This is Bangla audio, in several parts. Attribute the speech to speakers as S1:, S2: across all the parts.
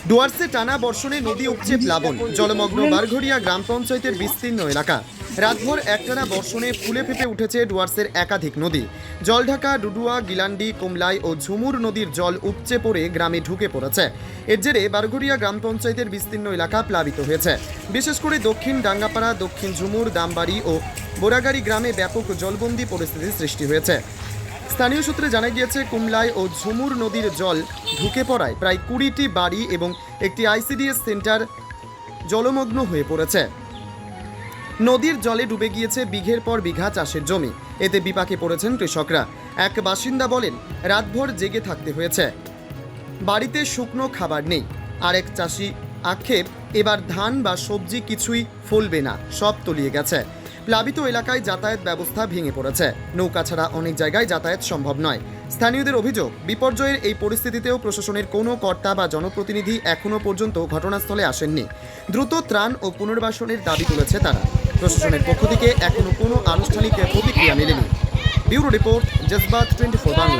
S1: ডুয়ার্সে টানা বর্ষণে নদী উপচে প্লাবন, জলমগ্ন বারঘড়িয়া গ্রাম পঞ্চায়েতের বিস্তীর্ণ এলাকা। রাতভর একটানা বর্ষণে ফুলে ফেপে উঠেছে ডুয়ার্সের একাধিক নদী। জলঢাকা, ডুডুয়া, গিলান্ডি, কুমলাই ও ঝুমুর নদীর জল উপচে পড়ে গ্রামে ঢুকে পড়েছে। এর জেরে বারঘড়িয়া গ্রাম পঞ্চায়েতের বিস্তীর্ণ এলাকা প্লাবিত হয়েছে। বিশেষ করে দক্ষিণ ডাঙ্গাপাড়া, দক্ষিণ ঝুমুর, দামবাড়ি ও বোরাগাড়ি গ্রামে ব্যাপক জলবন্দী পরিস্থিতির সৃষ্টি হয়েছে। স্থানীয় সূত্রে জানা গিয়েছে, কুমলাই ও ঝুমুর নদীর জল ঢুকে পড়ায় প্রায় 20টি বাড়ি এবং একটি আইসিডিএস সেন্টার জলমগ্ন হয়ে পড়েছে। নদীর জলে ডুবে গিয়েছে বিঘের পর বিঘা চাষের জমি। এতে বিপাকে পড়েছেন কৃষকরা। এক বাসিন্দা বলেন, রাতভর জেগে থাকতে হয়েছে, বাড়িতে শুকনো খাবার নেই। আরেক চাষি আক্ষেপ, এবার ধান বা সবজি কিছুই ফলবে না, সব তলিয়ে গেছে। প্লাবিত এলাকায় যাতায়াত ব্যবস্থা ভেঙে পড়েছে, নৌকা ছাড়া অনেক জায়গায় যাতায়াত সম্ভব নয়। স্থানীয়দের অভিযোগ, বিপর্যয়ের এই পরিস্থিতিতেও প্রশাসনের কোনো কর্তা বা জনপ্রতিনিধি এখনও পর্যন্ত ঘটনাস্থলে আসেননি। দ্রুত ত্রাণ ও পুনর্বাসনের দাবি তুলেছে তারা। প্রশাসনের পক্ষ থেকে এখনও কোনো আনুষ্ঠানিক প্রতিক্রিয়া মেলেনি। ব্যুরো রিপোর্ট, জজবাত 24 বাংলা।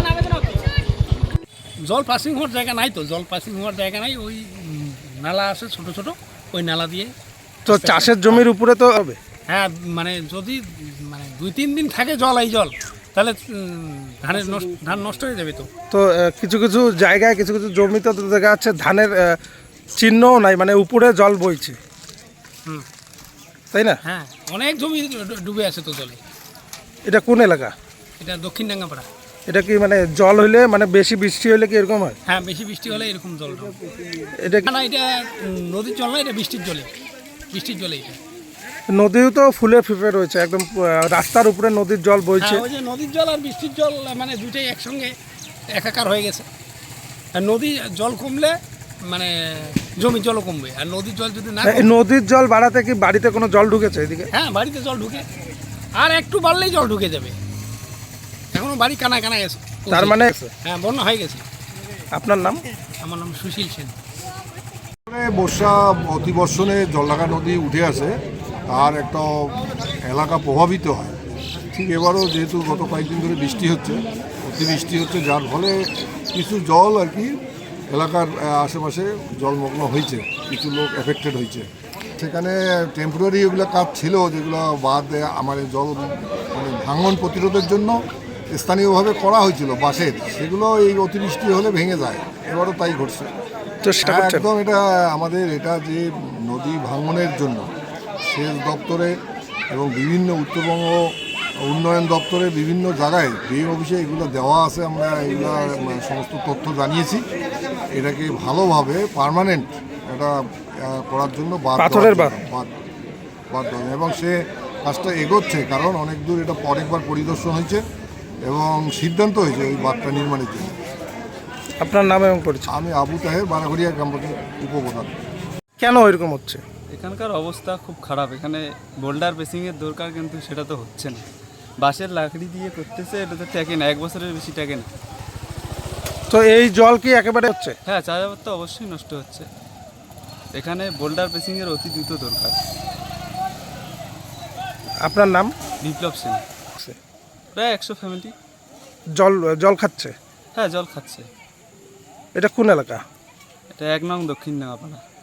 S2: জল পাসিং হওয়ার জায়গা নাই, তো জল পাসিং হওয়ার জায়গা নাই। ওই নালা আছে ছোট ছোট, ওই নালা দিয়ে
S3: তো চাষের জমির উপরে তো হবে।
S2: হ্যাঁ, মানে যদি 2-3 দিন থাকে জল, এই জল, তাহলে ধান নষ্ট হয়ে যাবে।
S3: তো কিছু কিছু জায়গায় কিছু কিছু জমিতে তো দেখা যাচ্ছে ধানের চিহ্নও নাই, মানে উপরে জল বইছে, তাই না?
S2: হ্যাঁ, অনেক জমি ডুবে আছে তো জলে।
S3: এটা কোন এলাকা?
S2: এটা দক্ষিণ ডাঙ্গাপাড়া।
S3: এটা কি মানে জল হইলে, মানে বেশি বৃষ্টি হলে কি এরকম হয়?
S2: হ্যাঁ, বেশি বৃষ্টি হলে এরকম জল।
S3: এটা
S2: না, এটা নদীর জল না, এটা বৃষ্টির জলে। এটা
S3: নদীও তো ফুলে ফেপে রয়েছে, একদম রাস্তার উপরে নদীর জল বইছে।
S2: ওই যে নদীর জল আর বৃষ্টির জল, মানে দুইটাই একসঙ্গে একাকার হয়ে গেছে। আর নদী জল কমলে মানে জমির জলও কমবে, আর নদীর জল যদি না
S3: নদীর জল বাড়াতে কি বাড়িতে কোনো জল ঢুকেছে এদিকে?
S2: হ্যাঁ, বাড়িতে জল ঢুকে, আর একটু বাড়লেই জল ঢুকে যাবে। এখনো বাড়ি কানায় কানায় গেছে,
S3: তার মানে
S2: হ্যাঁ, বন্যা হয়ে গেছে।
S3: আপনার নাম?
S2: আমার নাম সুশীল সেন।
S4: বর্ষা অতিবর্ষণে জলঢাকা নদী উঠে আসে আর একটা এলাকা প্রভাবিত হয়। ঠিক এবারও যেহেতু গত কয়েকদিন ধরে বৃষ্টি হচ্ছে, অতিবৃষ্টি হচ্ছে, যার ফলে কিছু জল আর কি এলাকার আশেপাশে জলমগ্ন হয়েছে, কিছু লোক এফেক্টেড হয়েছে। সেখানে টেম্পোরারি এগুলো কাজ ছিল, যেগুলো বাদ আমার জল মানে ভাঙন প্রতিরোধের জন্য স্থানীয়ভাবে করা হয়েছিল বাঁশের, সেগুলো এই অতিবৃষ্টি হলে ভেঙে যায়। এবারও তাই ঘটছে। একদম এটা আমাদের এটা যে নদী ভাঙনের জন্য সেচ দপ্তরে এবং বিভিন্ন উত্তরবঙ্গ উন্নয়ন দপ্তরে বিভিন্ন জায়গায় ডিএম অফিসে এগুলো দেওয়া আছে। আমরা এগুলো সমস্ত তথ্য জানিয়েছি। এটাকে ভালোভাবে পার্মানেন্ট এটা করার জন্য বাদ এবং সে কাজটা এগোচ্ছে, কারণ অনেক দূর এটা অনেকবার পরিদর্শন হয়েছে এবং সিদ্ধান্ত হয়েছে ওই বাঁধটা নির্মাণের জন্য।
S3: আপনার নাম এবং পরিচয়?
S4: আমি আবু তাহের, বারাঘড়িয়া গ্রাম পঞ্চায়েত উপপ্রধান।
S3: কেন এরকম হচ্ছে?
S5: এখানকার অবস্থা খুব খারাপ। এখানে বোল্ডার বেসিংয়ের দরকার, কিন্তু সেটা তো হচ্ছে না। বাঁশের লাকড়ি দিয়ে করতেছে, এটা তো টেকে না, 1 বছরের বেশি টেকে না।
S3: তো এই জল কি একেবারে হচ্ছে?
S5: হ্যাঁ, চাষাবাদ তো অবশ্যই নষ্ট হচ্ছে। এখানে বোল্ডার বেসিংয়ের অতি দ্রুত দরকার।
S3: আপনার নাম?
S5: বিপ্লব সেন। প্রায় 100 ফ্যামিলি
S3: জল খাচ্ছে?
S5: হ্যাঁ, জল খাচ্ছে।
S3: এটা কোন এলাকা?
S5: এটা 1 নং দক্ষিণ ডাঙ্গাপাড়া।